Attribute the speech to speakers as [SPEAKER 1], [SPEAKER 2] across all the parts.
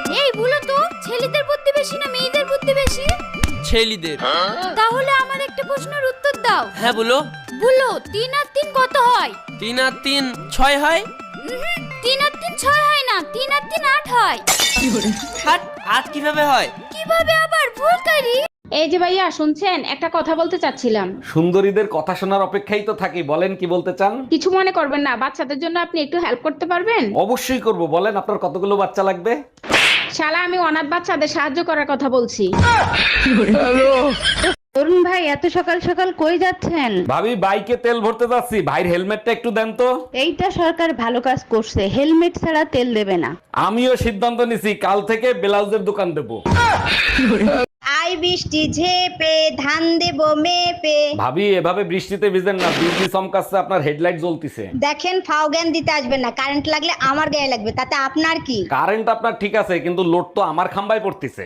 [SPEAKER 1] এই বলো তো, ছেলেদের বুদ্ধি বেশি না মেয়েদের বুদ্ধি বেশি?
[SPEAKER 2] ছেলেদের।
[SPEAKER 1] তাহলে আমার একটা প্রশ্নের উত্তর দাও।
[SPEAKER 2] হ্যাঁ বলো।
[SPEAKER 1] বলো 3 আর 3 কত হয়?
[SPEAKER 2] 3 আর 3 6 হয়।
[SPEAKER 1] 3 আর 3 6 হয় না, 3 আর 3 8 হয়।
[SPEAKER 2] হাট, 8 কিভাবে হয়?
[SPEAKER 1] কিভাবে আবার ভুল করি?
[SPEAKER 3] এই যে ভাইয়া শুনছেন, একটা কথা বলতে চাচ্ছিলাম।
[SPEAKER 4] সুন্দরীদের কথা শোনার অপেক্ষাই তো থাকি, বলেন কি বলতে চান?
[SPEAKER 3] কিছু মনে করবেন না, বাচ্চাদের জন্য আপনি একটু হেল্প করতে পারবেন?
[SPEAKER 4] অবশ্যই করব, বলেন আপনার কতগুলো বাচ্চা লাগবে?
[SPEAKER 3] শালা, আমি অনাথ বাচ্চাদের সাহায্য করার কথা বলছি। অরুণ ভাই, এত সকাল সকাল কই যাচ্ছেন?
[SPEAKER 4] ভাবি, বাইকে তেল ভরতে যাচ্ছি, ভাইয়ের হেলমেটটা একটু দেন তো।
[SPEAKER 3] এইটা সরকার ভালো কাজ করছে, হেলমেট ছাড়া তেল দেবে না।
[SPEAKER 4] আমিও সিদ্ধান্ত নিছি, কাল থেকে ব্লাউজের দোকান দেবো।
[SPEAKER 5] আই বৃষ্টি ঝেপে ধান দেবো মেপে।
[SPEAKER 4] ভাবি, এভাবে বৃষ্টিতে ভিজেন না, বিজলি চমকাচ্ছে, আপনার হেডলাইট জ্বলতিছে।
[SPEAKER 5] দেখেন, ফাও জ্ঞান দিতে আসবেন না, কারেন্ট লাগলে আমার গায়ে লাগবে, তাতে আপনার কি?
[SPEAKER 4] কারেন্ট আপনার ঠিক আছে, কিন্তু লোড তো আমার খাম্বায় পড়তিছে।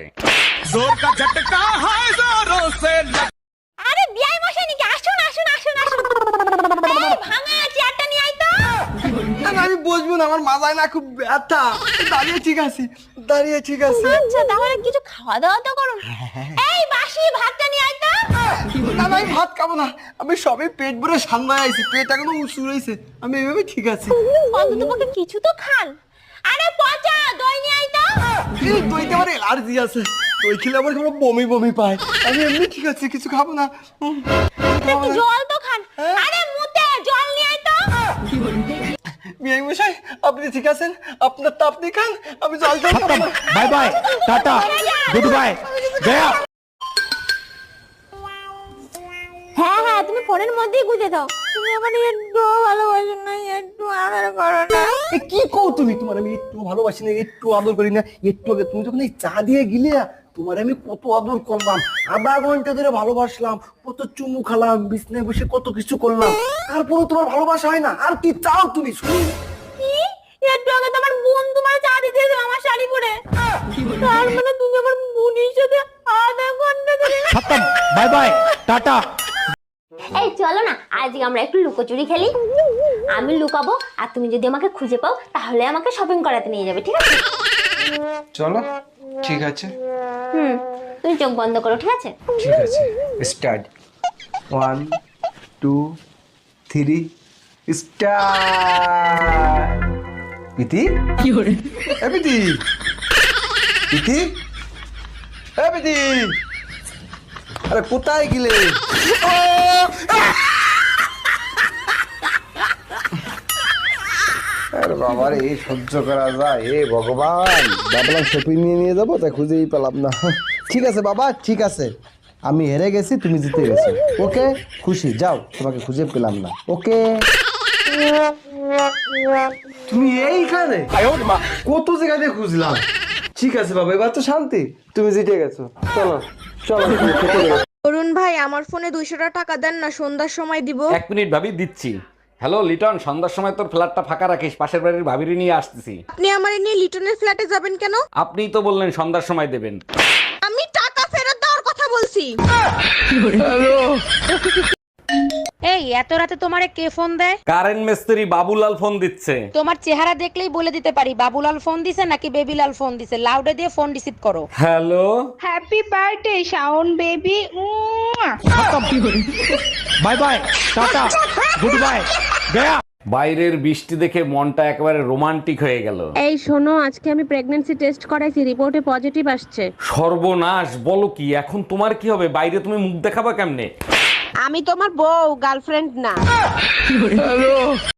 [SPEAKER 1] আরে বিয়াই মশাই নাকি? আসুন আসুন আসুন আসুন। এই ভাঙা চেয়ারটা নিয়ে আই তো।
[SPEAKER 6] আমি বসবো না, আমার মাথায় না খুব ব্যথা। দাঁড়িয়ে ঠিক আছি, দাঁড়িয়ে ঠিক আছি।
[SPEAKER 1] আচ্ছা, তাহলে কিছু খাওয়া দাওয়া তো করুন। এই বাসি ভাতটা নিয়ে আই তো।
[SPEAKER 6] না না, আমি ভাত খাবো না, আমি সবে পেট ভরে সান্দায় আইছি, পেট এখনো উঁচু রয়েছে, আমি এইভাবে ঠিক আছি।
[SPEAKER 1] অন্ততপক্ষে কিছু তো খান। আরে পচা দই নিয়ে আই তো।
[SPEAKER 6] এই দইতে আমার অ্যালার্জি আছে, দই খেলে আমার কোনো বমি বমি পায়, আমি এমনি ঠিক আছি, কিছু খাবো না।
[SPEAKER 1] একটু জল তো খান। আরে মুতে জল নিয়ে আই তো।
[SPEAKER 6] বিআই মশাই, আপনি ঠিক আছেন? আপনার তা আপনি খান, আমি জল জল খাবো না।
[SPEAKER 4] Bye bye, tata, good bye, গয়া।
[SPEAKER 1] হ্যাঁ হ্যাঁ, তুমি ফোনের মধ্যেই গুজে দাও। তুমি আমার একটু ভালোবাসো না, একটু আদর করো না।
[SPEAKER 6] এ কি কও তুমি? তোমার আমি একটু ভালোবাসি না, একটু আদর করি না? একটু আগে তুমি যখন এই চা দিয়ে গিলে, তোমার আমি কত আদর করলাম, আধা ঘন্টা ধরে ভালোবাসলাম, কত চুমু খালাম, বিছনায় বসে কত কিছু করলাম, তারপরেও তোমার ভালোবাসা হয় না? আর কি চাও তুমি? শুনি
[SPEAKER 1] কি? একটু আগে তো আমার বোন তোমার চা দিতে এসেছিল আমার শাড়ি পরে। তার মানে তুমি আমার বোনের সাথে আধা ঘন্টা ধরে।
[SPEAKER 4] Bye bye, tata.
[SPEAKER 7] এই চলো না, আজকে আমরা একটু লুকোচুরি খেলি। আমি লুকাবো আর তুমি যদি আমাকে খুঁজে পাও তাহলে আমাকে শপিং করাতে নিয়ে যাবে, ঠিক আছে?
[SPEAKER 8] চলো, ঠিক আছে।
[SPEAKER 7] তুমি চোখ বন্ধ করো, ঠিক আছে?
[SPEAKER 8] ঠিক আছে, স্টার্ট। 1 2 3 স্টার্ট। পিতি কি করে? এ পিতি, পিতি, এ পিতি, আরে কোথায় গেলে? আরে বাবা রে, সহ্য করা যায়? হে ভগবান, ভাবলাম শপিং নিয়ে যাবো, তাই খুঁজেই পেলাম না। ঠিক আছে বাবা, ঠিক আছে, আমি হেরে গেছি, তুমি জিতে গেছো। ওকে, খুশি, যাও, তোমাকে খুঁজে পেলাম না। ওকে, তুমি এইখানে? কত জায়গা দিয়ে খুঁজলাম। ঠিক আছে বাবা, এবার তো শান্তি, তুমি জিতে গেছো। চলো চলো, তুমি খেতে যাও।
[SPEAKER 5] অরুণ ভাই, আমার ফোনে 200 টাকা দেন না, সন্ধ্যার সময় দিব।
[SPEAKER 4] 1 মিনিট ভাবি, দিচ্ছি। হ্যালো লিটন, সন্ধ্যার সময় তোর ফ্ল্যাটটা ফাঁকা রাখিস, পাশের বাড়ির ভাবিরি নিয়ে আসতেছি।
[SPEAKER 5] আপনি আমার নিয়ে লিটনের ফ্ল্যাটে যাবেন কেন?
[SPEAKER 4] আপনিই তো বললেন সন্ধ্যার সময় দেবেন।
[SPEAKER 5] আমি টাকা ফেরত দেওয়ার কথা বলছি।
[SPEAKER 3] এই এত রাতে তোমারে কে ফোন দেয়?
[SPEAKER 4] কারেন্ট মিস্ত্রি বাবুলাল ফোন দিচ্ছে।
[SPEAKER 3] তোমার চেহারা দেখলেই বলে দিতে পারি বাবুলাল ফোন দিছে নাকি বেবিলাল ফোন দিছে। লাউডে দিয়ে ফোন রিসিভ করো।
[SPEAKER 4] Hello,
[SPEAKER 3] happy birthday Shaon baby.
[SPEAKER 4] Bye bye, tata, good bye, গয়া। বাইরের বৃষ্টি দেখে মনটা একেবারে রোমান্টিক হয়ে গেল।
[SPEAKER 3] এই শোনো, আজকে আমি প্রেগন্যান্সি টেস্ট করাইছি, রিপোর্টে পজিটিভ আসছে।
[SPEAKER 4] সর্বনাশ, বলো কি? এখন তোমার কি হবে? বাইরে তুমি মুখ দেখাবা কেমনে?
[SPEAKER 3] আমি তোমার বউ, গার্লফ্রেন্ড না।